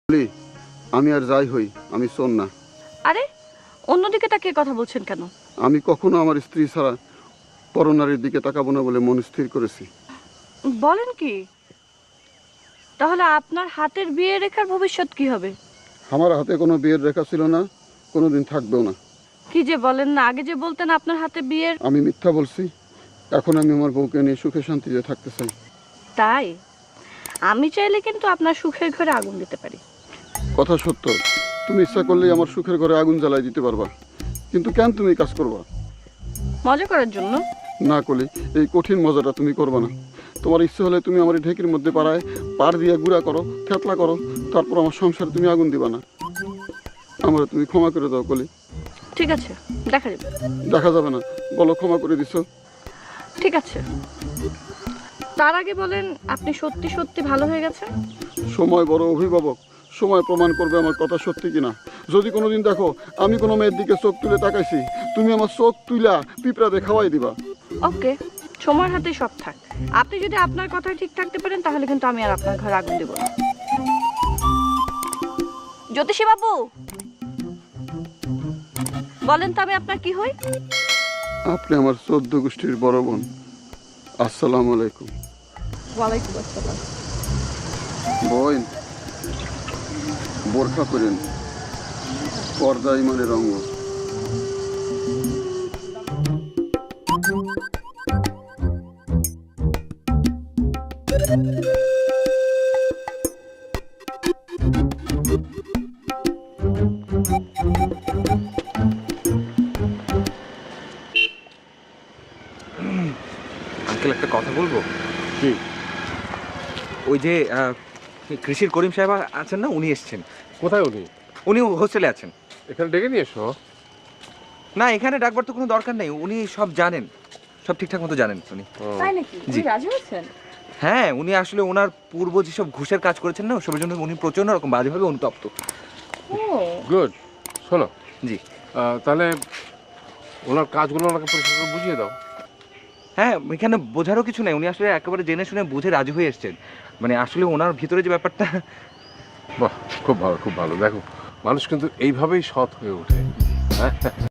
আমি আর যাই হই, আমি শোন না। আরে অন্যদিকে তাকিয়ে কথা বলছেন কেন? আমি কখনো আমার স্ত্রী ছাড়া পরনারীর দিকে তাকাবো না বলে মন স্থির করেছি। বলেন কি? তাহলে আপনার হাতের বিয়ে রেখার ভবিষ্যৎ কি হবে? আমার হাতে কোনো বিয়ের রেখা ছিল না, কোনোদিন থাকবেও না। কি যে বলেন না, আগে যে বলতেন আপনার হাতে বিয়ের। আমি মিথ্যা বলছি? এখন আমি আমার বউকে নিয়ে সুখে শান্তিতে থাকতে চাই। তাই আমি চাইলে কিন্তু আপনার সুখের ঘরে আগুন দিতে পারি। কথা সত্য, তুমি ইচ্ছা করলেই আমার সুখের ঘরে আগুন জ্বালাই দিতে পারবা, কিন্তু কেন তুমি কাজ করবা? মজা করার জন্য। না কলি, এই কঠিন মজাটা তুমি করবা না। তোমার ইচ্ছে হলে তুমি আমার এই ঢেকির মধ্যে পাড় দিয়ে গুঁড়া করো, থেতলা করো, তারপর আমার সংসারে তুমি আগুন দিবা না। আমার তুমি ক্ষমা করে দাও কলি। ঠিক আছে, দেখা যাবে। দেখা যাবে না, বলো ক্ষমা করে দিছো। ঠিক আছে, তার আগে বলেন আপনি সত্যি সত্যি ভালো হয়ে গেছেন? সময় বড় অভিভাবক, সময় প্রমাণ করবে আমার কথা সত্যি কিনা। যদি কোনোদিন দেখো আমি কোনো মেয়ের দিকে চোখ তুলে তাকাইছি, তুমি আমার চোখ তুইলা পিঁপড়া দিয়ে খাওয়াই দিবা। ওকে, সময়ের হাতেই সব থাক। আপনি যদি আপনার কথায় ঠিক থাকতে পারেন তাহলে কিন্তু আমি আর আপনার ঘরে আগুন দেব না। জ্যোতিষী বাবু, বলেন তো আমি আপনার কি হই? আপনি আমার 14 গোষ্ঠীর বড় বোন। আসসালামু আলাইকুম। ওয়ালাইকুম আসসালাম। বোন, বোরখা পরেন, পর্দা ইমানের অঙ্গ। আঙ্কেল, একটা কথা বলবো? কি? ওই যে কৃষির করিম সাহেব আছেন না, উনি এসছেন। কোথায় উনি? উনি হোস্টেলে আছেন। এখানে ডেকে নিয়ে এসো। না, এখানে ডাকবার তো কোনো দরকার নেই, উনি সব জানেন, সব ঠিকঠাক মতো জানেন উনি। তাই নাকি? জি। রাজি হয়েছেন? হ্যাঁ, উনি আসলে ওনার পূর্ব যেসব ঘুষের কাজ করেছেন না, ওসবের জন্য উনি প্রচণ্ড রকম বাজেভাবে অনুতপ্ত। Oh good. শোনো, জি। তাহলে ওনার কাজগুলো ওনাকে পরিষ্কার করে বুঝিয়ে দাও। হ্যাঁ, এখানে বোঝারও কিছু নেই, উনি আসলে একেবারে জেনে শুনে বুঝে রাজি হয়ে এসছেন। মানে আসলে ওনার ভিতরে যে ব্যাপারটা। বাহ, খুব ভালো, খুব ভালো। দেখো, মানুষ কিন্তু এইভাবেই সৎ হয়ে ওঠে। হ্যাঁ।